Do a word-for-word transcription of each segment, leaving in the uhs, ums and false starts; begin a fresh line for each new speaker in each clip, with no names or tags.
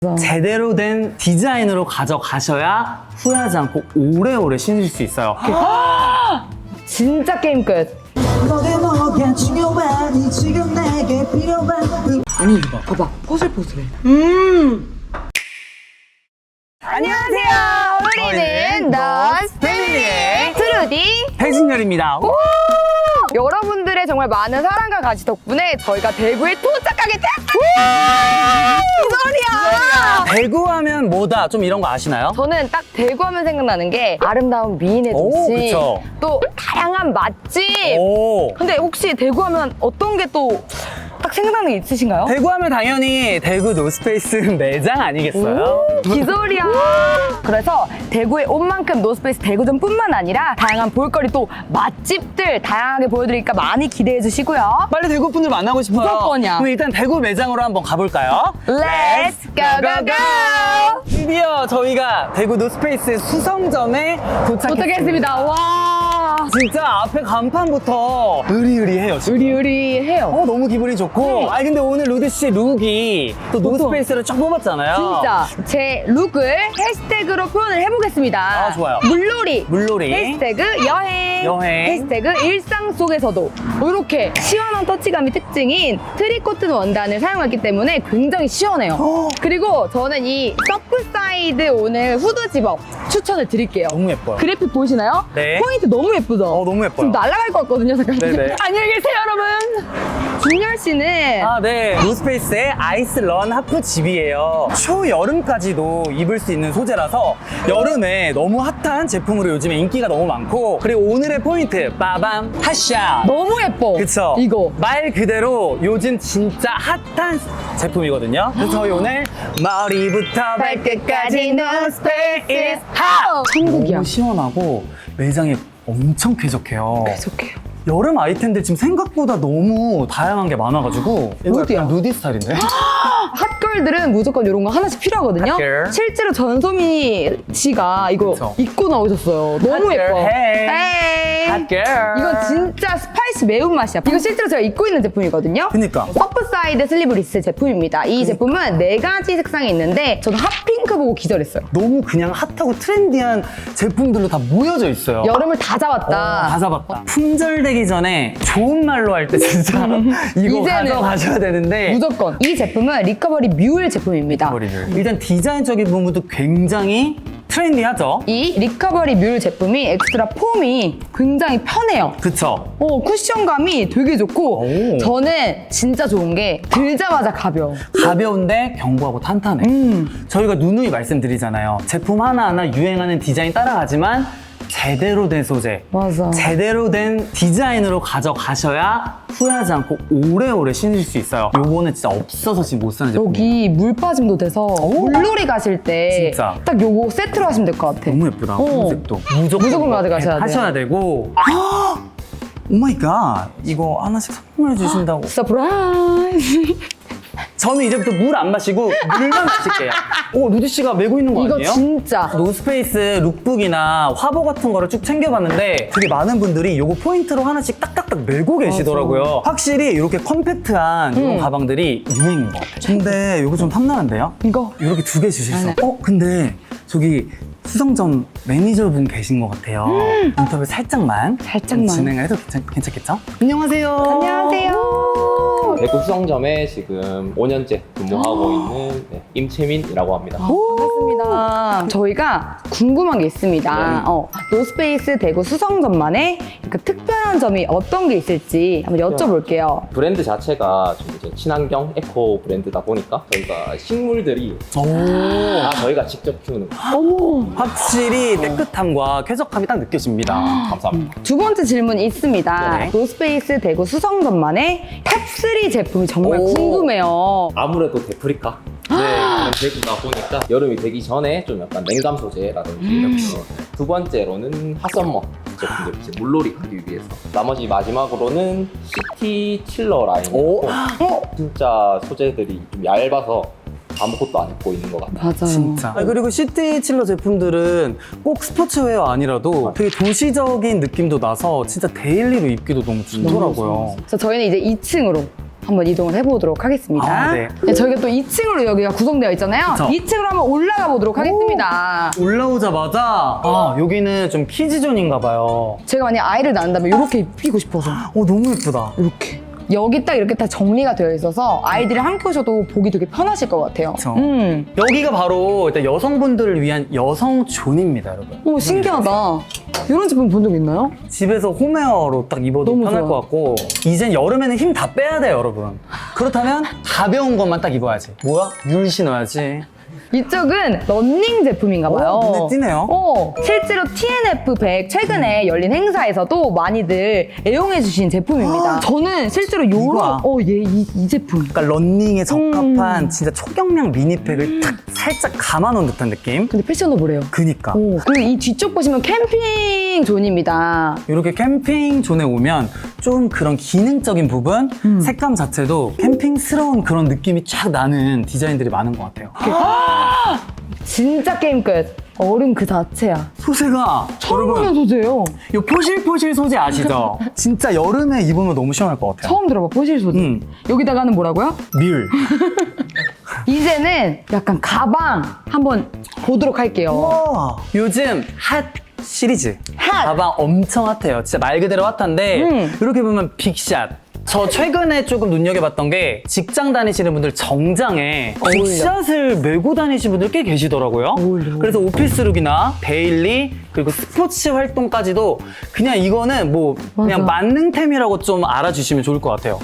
제대로 된 디자인으로 가져가셔야 후회하지 않고 오래오래 신으실 수 있어요.
진짜 게임 끝.
아니 이거 봐, 봐봐, 포슬포슬해.
안녕하세요. 우리는 너스 패밀리의 트루디.
배진열입니다.
여러분들의 정말 많은 사랑과 가지 덕분에 저희가 대구에 도착하게 됐어요. 이 소리야.
대구 하면 뭐다? 좀 이런 거 아시나요?
저는 딱 대구 하면 생각나는 게 아름다운 미인의
오,
도시,
그쵸.
또 다양한 맛집.
오.
근데 혹시 대구 하면 어떤 게 또 딱 생각나는 게 있으신가요?
대구 하면 당연히 대구 노스페이스 매장 아니겠어요?
기소리야. 그래서 대구에 온 만큼 노스페이스 대구점뿐만 아니라 다양한 볼거리 또 맛집들 다양하게 보여드리니까 많이 기대해 주시고요.
빨리 대구 분들 만나고 싶어요.
무조건이야.
그럼 일단 대구 매장으로 한번 가볼까요?
Let's go go go!
드디어 저희가 대구 노스페이스 수성점에 도착했습니다.
도착했습니다. 와.
진짜 앞에 간판부터 의리의리해요. 지금.
의리의리해요.
어, 너무 기분이 좋고. 아니 근데 오늘 루디 씨 룩이 또 노스페이스를 쫙 뽑았잖아요.
진짜 제 룩을 해시태그로 표현을 해보겠습니다.
아, 좋아요.
물놀이.
물놀이.
해시태그 여행.
여행.
해시태그 일상 속에서도. 이렇게 시원한 터치감이 특징인 트리코튼 원단을 사용했기 때문에 굉장히 시원해요.
어.
그리고 저는 이 서프사이드 오늘 후드 집업 추천을 드릴게요.
너무 예뻐요.
그래픽 보이시나요?
네.
포인트 너무 예쁘죠?
어, 너무 예뻐요.
지금 날아갈 것 같거든요, 잠깐.
네네.
안녕히 계세요, 여러분. 준열 씨는
아, 네. 노스페이스의 아이스 런 하프 집이에요. 초여름까지도 입을 수 있는 소재라서 여름에 너무 핫한 제품으로 요즘에 인기가 너무 많고, 그리고 오늘의 포인트 빠밤 핫샷.
너무 예뻐.
그쵸?
이거.
말 그대로 요즘 진짜 핫한 제품이거든요. 그래서 저희 오늘 머리부터 발끝까지 노스페이스 핫!
천국이야.
너무 시원하고 매장이 엄청 쾌적해요.
계속해요.
여름 아이템들 지금 생각보다 너무 다양한 게 많아가지고 이거
누디야.
약간 누디 스타일인데?
핫걸들은 무조건 이런 거 하나씩 필요하거든요.
핫걸.
실제로 전소미 씨가 이거
그쵸.
입고 나오셨어요. 너무
핫걸,
예뻐.
헤이.
헤이.
핫걸.
이건 진짜 스파이시 매운맛이야. 이거 실제로 제가 입고 있는 제품이거든요.
그니까.
서프사이드 슬리브리스 제품입니다. 이 제품은 네 가지 색상이 있는데 저는 핫핑크 보고 기절했어요.
너무 그냥 핫하고 트렌디한 제품들로 다 모여져 있어요.
여름을 다 잡았다.
어, 다 잡았다. 품절되기 전에 좋은 말로 할 때 진짜 이거
이제는
가져가셔야 되는데
무조건. 이 제품은 리커버리 뮤일 제품입니다.
머리를. 일단 디자인적인 부분도 굉장히 트렌디하죠?
이 리커버리 뮤일 제품이 엑스트라 폼이 굉장히 편해요.
그쵸?
어, 쿠션감이 되게 좋고
오.
저는 진짜 좋은 게 들자마자 가벼워.
가벼운데 견고하고 탄탄해.
음.
저희가 누누이 말씀드리잖아요. 제품 하나하나 유행하는 디자인 따라가지만 제대로 된 소재,
맞아.
제대로 된 디자인으로 가져가셔야 후회하지 않고 오래오래 신으실 수 있어요. 요거는 진짜 없어서 지금 못 사는 제품이에요.
여기 물 빠짐도 돼서 물놀이 가실 때
진짜.
딱 요거 세트로 하시면 될 것 같아.
너무 예쁘다.
어.
컨셉도. 무조건,
무조건 가져가셔야 돼요.
하셔야 되고. 오마이갓. 이거 하나씩 선물해 주신다고.
서프라이즈.
저는 이제부터 물 안 마시고 물만 마실게요. 오, 루디 씨가 메고 있는 거
이거
아니에요?
진짜.
노스페이스 룩북이나 화보 같은 거를 쭉 챙겨봤는데 되게 많은 분들이 요거 포인트로 하나씩 딱딱딱 메고 계시더라고요. 확실히 이렇게 컴팩트한 이런
음.
가방들이 유행인 것 같아요. 근데 요거 좀 탐나는데요?
이거.
이렇게 두 개 주실 수
네,
없어요. 어? 근데 저기 수성점 매니저분 계신 것 같아요. 인터뷰 살짝만,
살짝만.
진행을 해도 괜찮, 괜찮겠죠? 안녕하세요.
안녕하세요.
대구 수성점에 지금 오 년째 근무하고 있는 네, 임채민이라고 합니다.
반갑습니다. 저희가 궁금한 게 있습니다.
네.
어, 노스페이스 대구 수성점만의 그 특별한 점이 어떤 게 있을지 한번 여쭤볼게요.
브랜드 자체가 좀 이제 친환경 에코 브랜드다 보니까 저희가 식물들이
오.
다 저희가 직접 키우는 거.
어머.
확실히 깨끗함과 쾌적함이 딱 느껴집니다.
감사합니다.
두 번째 질문이 있습니다.
네네.
노스페이스 대구 수성점만의 탑쓰리 제품이 정말
오.
궁금해요.
아무래도 데프리카. 네, 그런 대구다 보니까 여름이 되기 전에 좀 약간 냉감 소재라든지
음.
어, 두 번째로는 핫썸머 제품들 이제 물놀이 가기 위해서 나머지 마지막으로는 시티 칠러 라인이고
어?
진짜 소재들이 좀 얇아서 아무것도 안 입고 있는 것 같아요.
맞아요.
진짜. 아니, 그리고 시티 칠러 제품들은 꼭 스포츠웨어 아니라도 되게 도시적인 느낌도 나서 진짜 데일리로 입기도 너무 좋더라고요.
그래서 저희는 이제 이 층으로 한번 이동을 해보도록 하겠습니다.
아, 네.
네, 저희가 또 이 층으로 여기가 구성되어 있잖아요.
그쵸.
이 층으로 한번 올라가 보도록 하겠습니다.
올라오자마자 아 여기는 좀 키즈존인가 봐요.
제가 만약 아이를 낳는다면 이렇게 입히고 싶어서
어 너무 예쁘다.
이렇게 여기 딱 이렇게 다 정리가 되어 있어서 아이들이 함께 오셔도 보기 되게 편하실 것 같아요.
그쵸.
음.
여기가 바로 일단 여성분들을 위한 여성존입니다, 여러분.
오, 신기하다. 이런 제품 본 적 있나요?
집에서 홈웨어로 딱 입어도
너무
편할
좋아요.
것 같고 이젠 여름에는 힘 다 빼야 돼요, 여러분. 그렇다면 가벼운 것만 딱 입어야지. 뭐야? 뮬 신어야지.
이쪽은 러닝 제품인가 봐요.
오, 눈에 띄네요.
어, 실제로 티엔에프 백 최근에 열린 행사에서도 많이들 애용해주신 제품입니다. 저는 실제로 요런,
이거야.
어, 얘, 이, 이 제품.
그러니까 런닝에 적합한
음.
진짜 초경량 미니팩을 탁 살짝 감아놓은 듯한 느낌?
근데 패셔너블해요.
그니까.
오, 그리고 이 뒤쪽 보시면 캠핑 존입니다.
이렇게 캠핑 존에 오면 좀 그런 기능적인 부분,
음.
색감 자체도 캠핑스러운 그런 느낌이 쫙 나는 디자인들이 많은 것 같아요.
진짜 게임 끝. 얼음 그 자체야.
소재가
처음 보는 소재예요.
이 포실포실 소재 아시죠? 진짜 여름에 입으면 너무 시원할 것 같아요.
처음 들어봐, 포실 소재.
음.
여기다가는 뭐라고요?
뮬.
이제는 약간 가방 한번 보도록 할게요.
와. 요즘 핫 시리즈.
핫!
가방 엄청 핫해요. 진짜 말 그대로 핫한데
음.
이렇게 보면 빅샷. 저 최근에 조금 눈여겨봤던 게 직장 다니시는 분들 정장에
어울려.
빅샷을 메고 다니시는 분들 꽤 계시더라고요.
어울려.
그래서 오피스룩이나 데일리 그리고 스포츠 활동까지도 그냥 이거는 뭐 그냥
맞아.
만능템이라고 좀 알아주시면 좋을 것 같아요.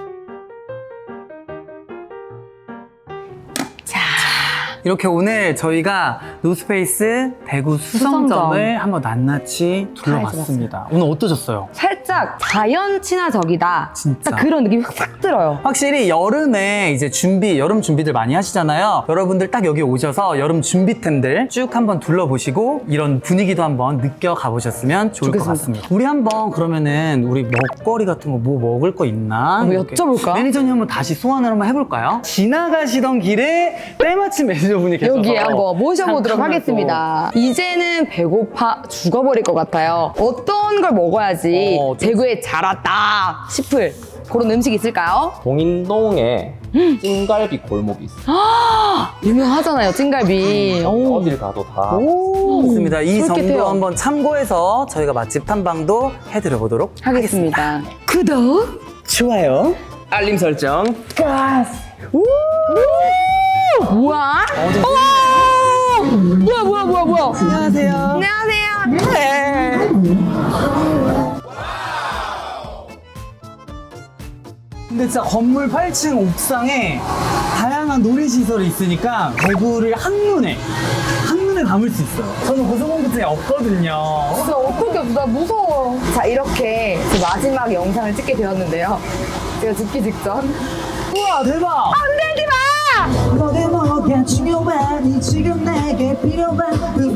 이렇게 오늘 저희가 노스페이스 대구 수성점을
수성점.
한번 낱낱이 둘러봤습니다. 오늘 어떠셨어요?
살짝 자연 친화적이다.
진짜.
딱 그런 느낌이 확 들어요.
확실히 여름에 이제 준비, 여름 준비들 많이 하시잖아요. 여러분들 딱 여기 오셔서 여름 준비템들 쭉 한번 둘러보시고 이런 분위기도 한번 느껴가 보셨으면 좋을 것
좋겠습니다.
같습니다. 우리 한번 그러면은 우리 먹거리 같은 거 뭐 먹을 거 있나?
한번
이렇게
여쭤볼까?
매니저님 한번 다시 소환을 한번 해볼까요? 지나가시던 길에 때마침 매니저분이 계셔서
여기에 한번 모셔보도록
잠깐만
하겠습니다. 이제는 배고파 죽어버릴 것 같아요. 어떤 걸 먹어야지
어, 좀-
대구에 잘 왔다 싶을 그런 음식 있을까요?
동인동에 찜갈비 골목이 있어요.
유명하잖아요, 찜갈비. 오.
어딜 가도 다
오.
좋습니다. 이
솔깃해요.
정도 한번 참고해서 저희가 맛집 탐방도 해드려 보도록
하겠습니다. 구독!
좋아요.
알림 설정.
오! 뭐야? 오! 뭐야, 뭐야, 뭐야, 뭐야.
안녕하세요.
안녕하세요.
네. 근데 진짜 건물 팔 층 옥상에 다양한 놀이시설이 있으니까 대구를 한눈에 한눈에 담을 수 있어요. 저는 고소공포증이 없거든요.
진짜 어떻게 없어? 나 무서워. 자, 이렇게 제 마지막 영상을 찍게 되었는데요. 제가 죽기 직전.
우와 대박!
흔들지 마!
너의 뭐가 중요하니 지금 내게 필요한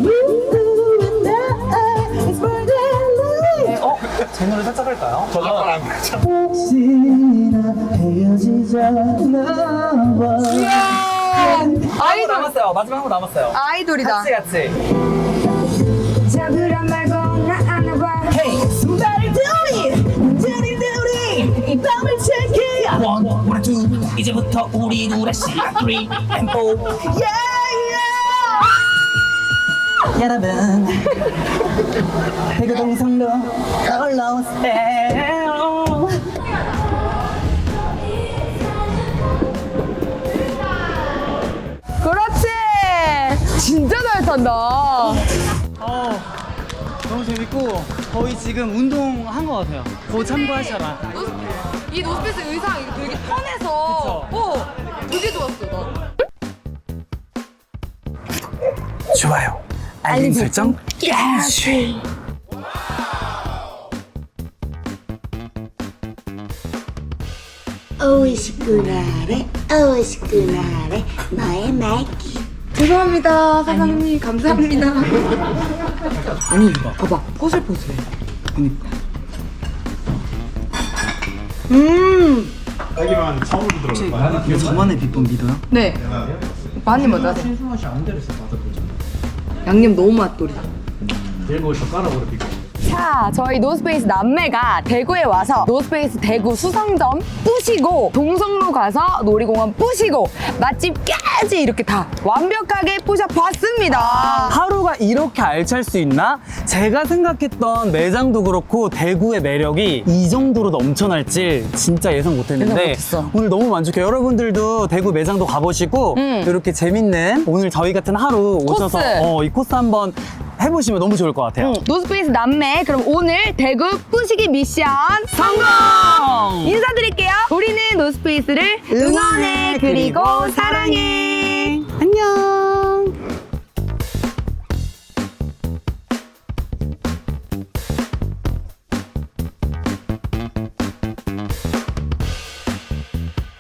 어? 제 노래 살짝 할까요? 한번
아이돌,
남았어요. 마지막 한 번 남았어요.
아이돌이다.
같이 같이.
잡으란 말고 나 안아봐.
Hey, somebody do it. 문제는 우리 이 밤을 check it. One, one, two. 이제부터 우리 노래 시 three and four. Yeah, yeah. 여러분, 대구 동성로 올라오세요.
그렇지. 진짜 잘 탄다.
어, 너무 재밌고 거의 지금 운동한 것 같아요. 더 참고하셔라.
이 노스페이스 의상 이거 되게 편해서 어 되게 좋았어 나.
좋아요. 알림 설정.
오이시쿠나레 오이시쿠나레 너의 말기
죄송합니다 사장님 감사합니다.
아니 봐봐 포슬포슬해.
그니까.
음.
자기만 처음으로 들어올 거야.
이거 저만의 비법 믿어요?
네. 많이 맞아. 양념 너무 맛돌이다.
내일 거기서 깔아버려.
자, 저희 노스페이스 남매가 대구에 와서 노스페이스 대구 수성점 뿌시고 동성로 가서 놀이공원 뿌시고 맛집까지 이렇게 다 완벽하게 뿌셔봤습니다.
하루가 이렇게 알찰 수 있나? 제가 생각했던 매장도 그렇고 대구의 매력이 이 정도로 넘쳐날지 진짜 예상 못했는데
예상 못했어.
오늘 너무 만족해요. 여러분들도 대구 매장도 가보시고
음.
이렇게 재밌는 오늘 저희 같은 하루 오셔서
코스.
어, 이 코스 한번 해보시면 너무 좋을 것 같아요.
응, 노스페이스 남매 그럼 오늘 대구 뿌시기 미션 성공! 인사드릴게요. 우리는 노스페이스를 응원해 그리고 사랑해.
안녕.